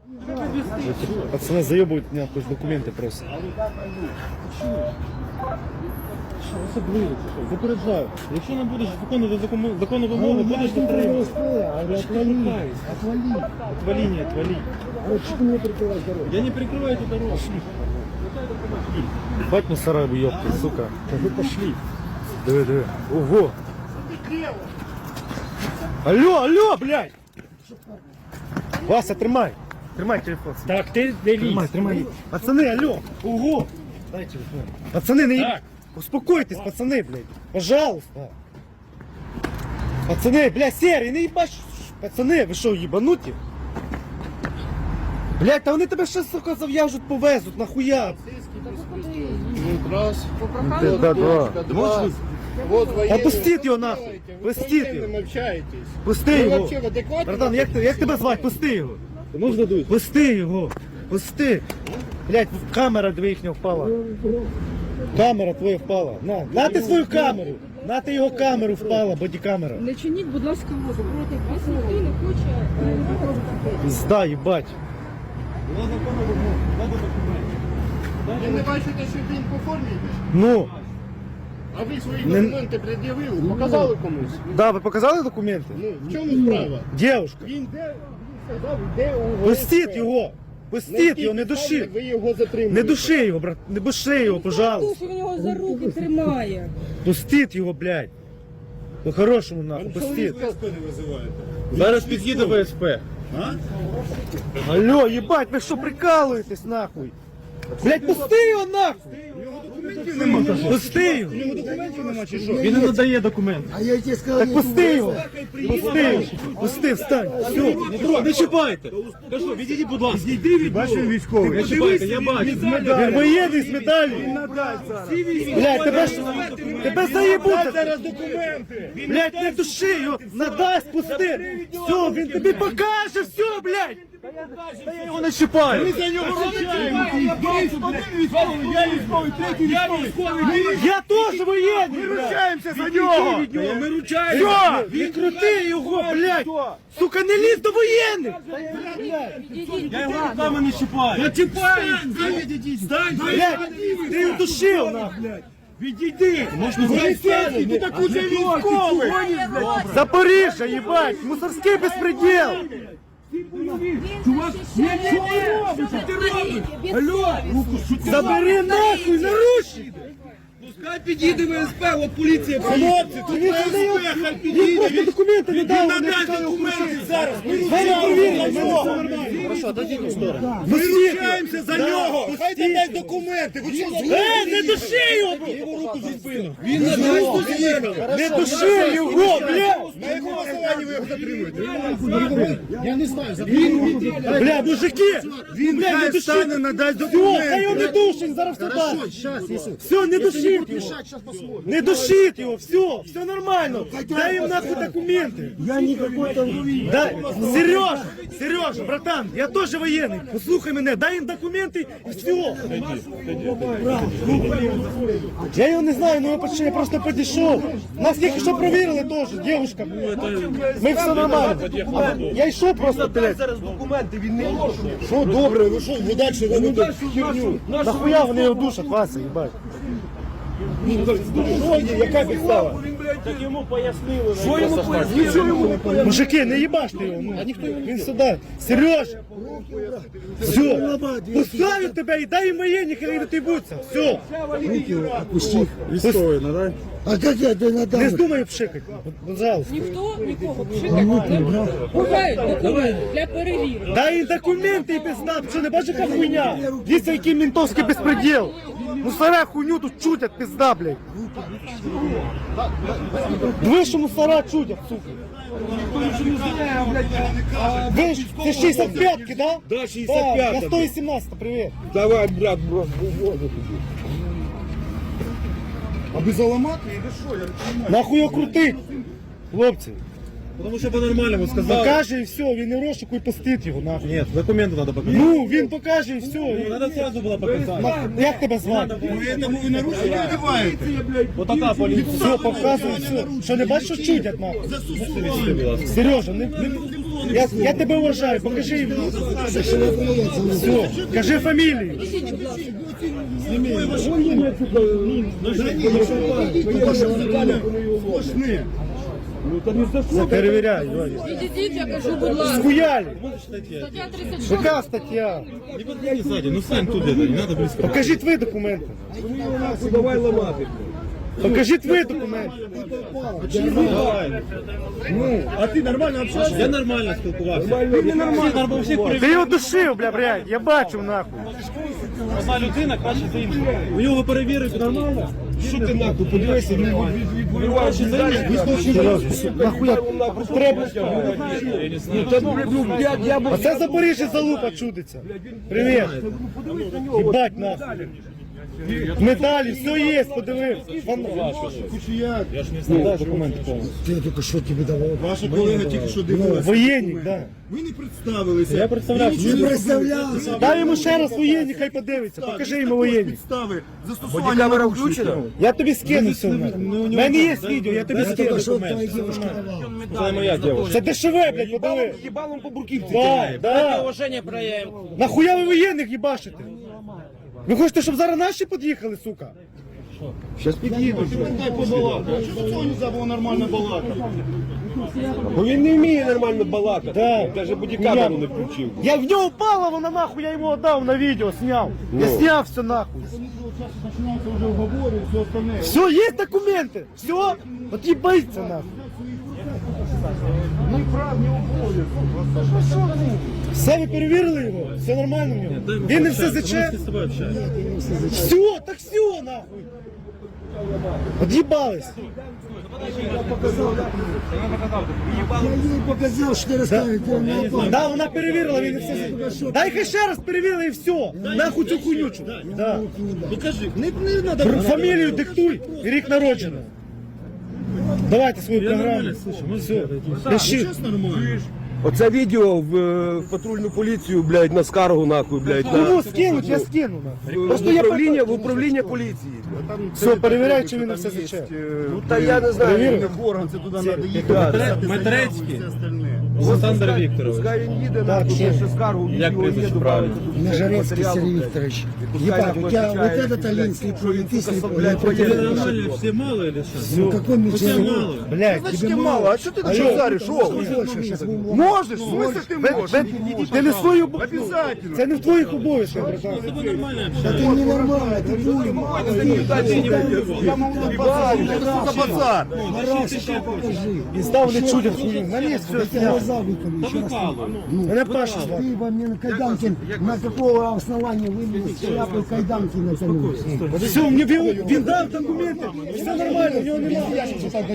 Пацаны заебывают меня, хоть документы просто. Особливо, запереджаю. Якщо не будеш виконувати законну вимогу, будеш дотримуватися. Отвали, не отвали. Что ты мне прикрываешь дорогу? Я не прикрываю эту дорогу. Бать мусора, ёпта, сука. Вы пошли. Диви, диви. Ого. Алло, блядь. Вася, тримай. Тримай телефон. Так, ти не лізь. Тримай. Пацаны, алло. Ого. Дай телефон. Пацаны, не... Успокойтесь, пацаны, блядь. Пожалуйста. Пацаны, блядь, серый, не ебашь. Пацаны, ви що, ебануті? Блядь, та вони тебе ще, сука, зав'яжуть, повезуть, нахуя? Раз. Да, два. Два. Вот военные. Опустіть його нахуй. Пустіть С його. кем общаетесь? Пусти Ви його. вообще в адекваті? Братан, як тебе звати? Пусти його. Можна дуй? Пусти його. Пусти. Блядь, камера їхня впала. Камера твоя впала. На ти свою камеру. На ти його камеру впала, бодікамера. Не чиніть, будь ласка, опору. Вас ніхто не хоче. Пізда, їбать. Ви не бачите, що він по формі йде? Ну, А ви свої Не- документи пред'явили, показали комусь? да, ви показали документи? Ну, в чому справа? Дівушка, Він сказав, де у пустіть його. Пустіть його, не души. Ви його затримуєте. Не души його, брат. Не души його, пожалуйста. Душу в нього за руки тримає. Пустіть його, блядь. По-хорошому, нахуй, пустіть. Зараз під'їде ВСП. Алло, ебать, ви що прикалуєтесь, нахуй? Блядь, пусти його, нахуй! Пусти його! Він не надає документи. А я тебе сказал, Так пусти його! Пусти його! Пусти, встань! Все! Не чіпайте. Кажу, відійдіть, будь ласка. Відійди від Бачу, він військовий. Не чіпайте, я бачу. Він воєнний з медаллю! Блядь, тебе заєбуть! Зараз документи! Блядь, не души його! Надасть, пусти! Все, він тобі покаже, все, блядь! Та я його не чіпаю! Я військовий. Я теж воєнний! Ми ручаємося за нього! Ми ручаємо. Все! Він крути його, блядь! Сука, не лізь до воєнних! Я його руками не чіпаю. Я чіпаю. Стань. Блядь, ти його душив, нахуй! Відійди. Можна зайти. Ти так уже військовий. Запоріжжя, їбать! Мусорський безпреділ! Чувак, що ви робите? Ти робиш? Алло. Забери нахуй, наручники! Пускай підійде ВСП, от поліція. Хлопці, тут Він просто документи не дав, Він надасть документи зараз. Мене провірили, Хорошо, дадіть у сторону. Ми ручаємося за нього. Хай дасть документи. Не души його! Він надасть документи. Не души його, блядь! На якому основанні ви його затримуєте? Я не знаю, Бля, мужики! Він Бля, не хай души! встане, надасть Все, хай його не документи. душить, зараз все дасть! Сейчас, если... Все, не душить його! Сейчас посмотрим. Не душить його, все нормально! Дай їм нахуй документи! Я никакой там... Дай, Сережа, братан, я теж воєнний, послухай мене, дай їм документи і все! Я його не знаю, ну я просто підійшов. Нас тільки що провірили теж, дівчинка. Ми все нормально. Я йшов просто, блядь. Зараз документи, він не може. Що добре, ви що, ви далі робите херню? Нахуя вони його душать, Вася, їбать? Яка підстава? Так йому пояснили. Що йому пояснили? Мужики, не їбаште його, ну. Він сюди. Сереж! Все, пускаю тебе і дай їм воєнні, хай не тибуться. Все. Опусти. Військовий, надай. А как я тебе надам? Не здумай пшикати, пожалуйста. Ніхто нікого пшикати не буде. Бувають документи для перевірки. Дай їм документи і пизда, що не бачиш, яка хуйня? Дивіться, який ментовський безпреділ. Мусора хуйню тут чутять, пизда, блядь. Диви, що мусора чутять, сука. Ви ж, це 65-ки, да? Да, Так, 65-ка. я 118, привіт. Давай, брат, А без аламати йде що? Я не розумію. Нахуй його крутить, хлопці. Тому що по-нормальному сказали. Покаже і все, він і розшуку і пустить його, нахуй. Нет, документы надо показать. Ну, він покаже і все. і- Надо сразу было показать. Як тебе звати? Ви нарушення вдіваєте. Вот така поліція. Все, показуй, все. Що не бачиш, що чудять, нахуй? Сережа, не Я тебе уважаю, покажи їм. Все, кажи фамілію. Не перевіряй, Ваня. Відійдіть, я кажу, будь ласка. Схуяли. Стаття 36. Яка стаття? Не подходи сзади, ну стань тут, не надо близко. Покажіть ви документи. Давай ламати. Покажіть ви документи. А ти нормально общаешься? Я нормально спілкувався. Ти нормально. Всіх Ти його душив, блядь, я бачив нахуй. одна людина краще за іншу. У нього перевірити нормально. Що ти нахуй, подивися, відбуваєш за іншу. Нахуя треба. Я б... Оце Запоріжжя залупа чудиться. Привіт. Їбать нахуй. Медалі, все є, подивись. Я ж не знаю документи повністю. Я тільки що тобі давав. Ваша колега тільки що дивилася. Воєнник, да. Ви не представилися. Я представлявся. Не представлявся. Дай йому ще раз воєнник, хай подивиться. Покажи йому воєнник. Підстави застосування камера включена. Я тобі скину все. У мене є відео, я тобі скину. Що твоя дівчинка давала? Це моя дівчина. Це дешеве, блядь, подиви. Їбалом по бурківці. Да, да. Уваження проявив. Нахуя ви воєнних їбашите? Ви хочете, щоб зараз наші під'їхали, сука? Дай побалакати. Що цього не було нормально балакати? Бо він не вміє нормально балакати. Да. Навіть бодікамеру не включив. Я в нього упала, вона нахуй, я йому віддав на відео, сняв. Я сняв все нахуй. Починається вже уговори, все остальне. Все, є документи. Все, от їбається нахуй. Все, ви перевірили його? Все нормально в нього? Він не все заче? Все, так все нахуй. От їбались. Я їй показав, що ти розказуєш. Да, вона перевірила, він не все заче. Дай хай ще раз перевірила і все. Нахуй цю хуйнючу. Да. Покажи, не треба. Фамілію диктуй і рік народження. Давайте свою програму. Все. Пиши. Нормально. Оце відео в патрульну поліцію, блядь, на скаргу нахуй, блядь, на Кому скинуть, я скину. нахуй. Просто я в управління поліції. Все, перевіряй, чи він не все заче. Ну та я не знаю. Перевірив? В орган, це туди треба їхати. Матрецький. Все остальне. Олександр Вікторович. Пускай він їде, Так, нахуй, що? пише скаргу, Як відео прізвище є, правильно? добавить. Нажарецкий Сергей Викторович. Ебать, у тебя вот этот Олинский прописный, блядь, Тебе против... нормально, всі мало или що? Ну какой мечтатель? Мало. Блядь, Значить, мало, а що ти на шахтарі, що? Можеш, в смысле ти можеш? ти не свою Обязательно. Це не в твоїх обов'язках, братан. Тебе нормально Да ты ненормальный, ты дуй, Що за базар? І став не чудять хуйню. На місці все я сняв. глаза выколи, еще раз. Мене Паша звати. Ты во мне на кайданке, на какого основания вы мне шляпой кайданки натянули? Все, він дав документи. Все нормально, у нього немає.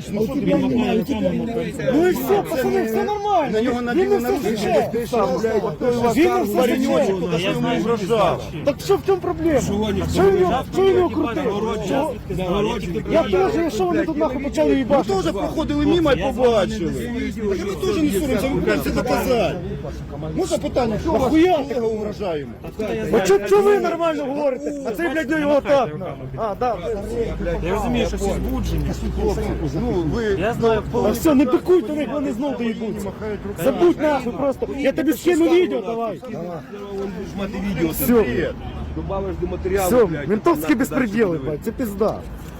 Ну і все, пацани, все нормально. На нього Він не наділи все наручники, заче. Він не все заче. що йому вражав. Так що в чому проблема? Що він його крутив? Чого? Я теж, що вони тут нахуй почали Ми їбати? теж проходили мимо і побачили. Так ми теж не соромся, ми будемо це доказати. Можна питання, що вас колега вражає йому? А чого ви нормально говорите? А цей, блядь, його так. А, да. Я розумію, що всі збуджені. Ну, ви... А все, не пикуйте них, вони знов доїбуться. Забудь нахуй просто. Я тобі скину відео, давай. мати відео, це Все. бред. Добавиш до матеріалу, Все, блядь. ментовські безпреділи, блядь, це пизда.